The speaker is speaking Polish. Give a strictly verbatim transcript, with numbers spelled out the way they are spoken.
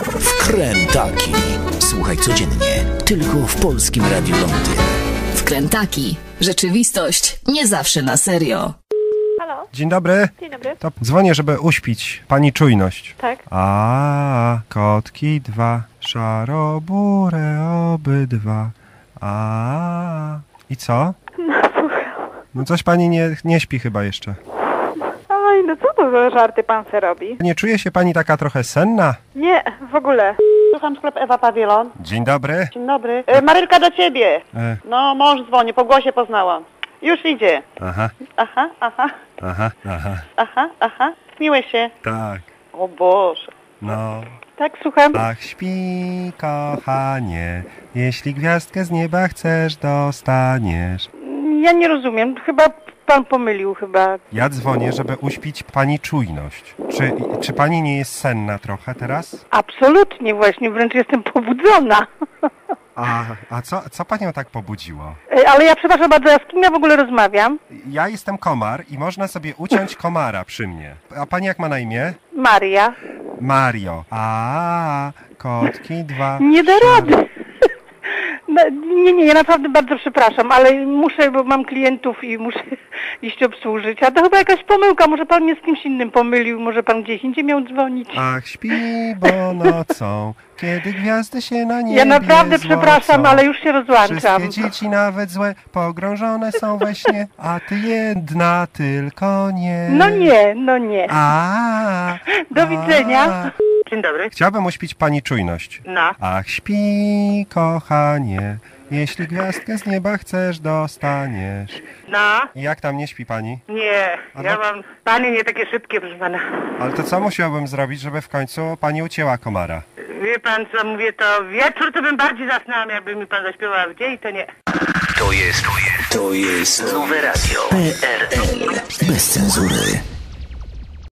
Wkrętaki. Słuchaj codziennie, tylko w Polskim Radiu Londyn. Wkrętaki. Rzeczywistość nie zawsze na serio. Halo? Dzień dobry. Dzień dobry. To dzwonię, żeby uśpić pani czujność. Tak. A, kotki dwa, szaroburę obydwa. A, i co? No słucham. No coś pani nie, nie śpi chyba jeszcze. Oj, no co to za żarty pan se robi? Nie czuje się pani taka trochę senna? Nie, w ogóle. Słucham, sklep Ewa Pawilon. Dzień dobry. Dzień dobry. E, Marylka, do ciebie. E. No, mąż dzwoni, po głosie poznałam. Już idzie. Aha, Aha, aha, aha, aha. aha, aha. Śmiłeś się. Tak, O Boże. no. Tak, słucham. Ach, śpi, kochanie, jeśli gwiazdkę z nieba chcesz, dostaniesz. Ja nie rozumiem, chyba pan pomylił chyba. Ja dzwonię, żeby uśpić pani czujność. Czy, czy pani nie jest senna trochę teraz? Absolutnie właśnie, wręcz jestem pobudzona. A, a co, co panią tak pobudziło? E, Ale ja przepraszam bardzo, ja z kim ja w ogóle rozmawiam? Ja jestem komar i można sobie uciąć komara przy mnie. A pani jak ma na imię? Maria. Mario. A, kotki dwa. Nie da szar- rady. No, nie, nie, ja naprawdę bardzo przepraszam, ale muszę, bo mam klientów i muszę iść obsłużyć. A to chyba jakaś pomyłka, może pan mnie z kimś innym pomylił, może pan gdzieś indziej miał dzwonić. Ach, śpi, bo nocą, kiedy gwiazdy się na niebie Ja naprawdę przepraszam, złocą. ale już się rozłączam. Wszystkie dzieci, nawet złe, pogrążone są we śnie, a ty jedna tylko nie. No nie, no nie. A, Do widzenia. Dzień dobry. Chciałbym uśpić pani czujność. No. Ach, śpi, kochanie, jeśli gwiazdkę z nieba chcesz, dostaniesz. No. I jak tam, nie śpi pani? Nie, A ja no- mam... Panie nie takie szybkie, proszę pana. Ale to co musiałbym zrobić, żeby w końcu pani ucięła komara? Wie pan co, mówię, to wieczór to bym bardziej zasnęłam, jakby mi pan zaśpiewał, a w dzień to nie. To jest, to jest, to jest nowe radio P R L. Bez cenzury.